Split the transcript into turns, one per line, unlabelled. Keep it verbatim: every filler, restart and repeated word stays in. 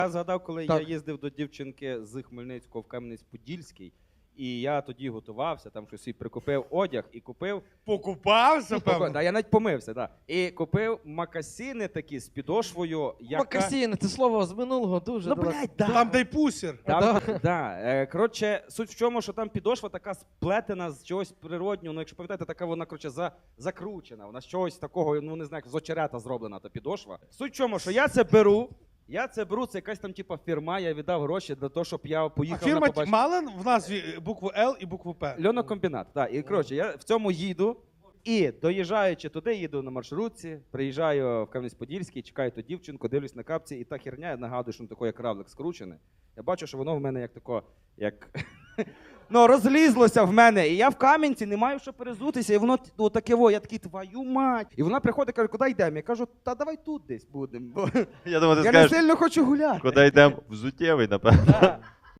Я згадав, коли
Так.
я їздив до дівчинки з Хмельницького в Кам'янець-Подільський, і я тоді готувався, там щось і прикупив одяг і купив.
Покупався, певно?
Да, я навіть помився, да. І купив макасіни такі з підошвою, яка...
Макасіни, це слово з минулого дуже.
Ну,
далеко.
блядь, да.
Там, де й пусір.
Там, да. Е, коротше, суть в чому, що там підошва така сплетена з чогось природнього, ну, якщо пам'ятаєте, така вона, коротше, за, закручена, вона з чогось такого, ну, не знаю, як з очерета зроблена та підошва. Суть в чому, що я це беру, я це беру, це якась там, типа, фірма, я віддав гроші для того, щоб я
А
поїхав
фірма
на побачення.
мала в назві букву Л і букву П?
Льонокомбінат, так. І, коротше, я в цьому їду, і доїжджаючи туди, їду на маршрутці, приїжджаю в Кам'янець-Подільський, чекаю ту дівчинку, дивлюсь на капці, і та херня, я нагадую, що воно таке, як равлик скручене. Я бачу, що воно в мене як тако, як... ну, розлізлося в мене, і я в Кам'янці не маю що перезутися, і воно ну, таке, во, я такий, твою мать. І вона приходить, каже, куди йдемо? Я кажу, та давай тут десь будемо, бо
Я думаю, ти
я не
скажеш,
сильно хочу гуляти.
куди йдемо? Взуттєвий, напевно.
Да.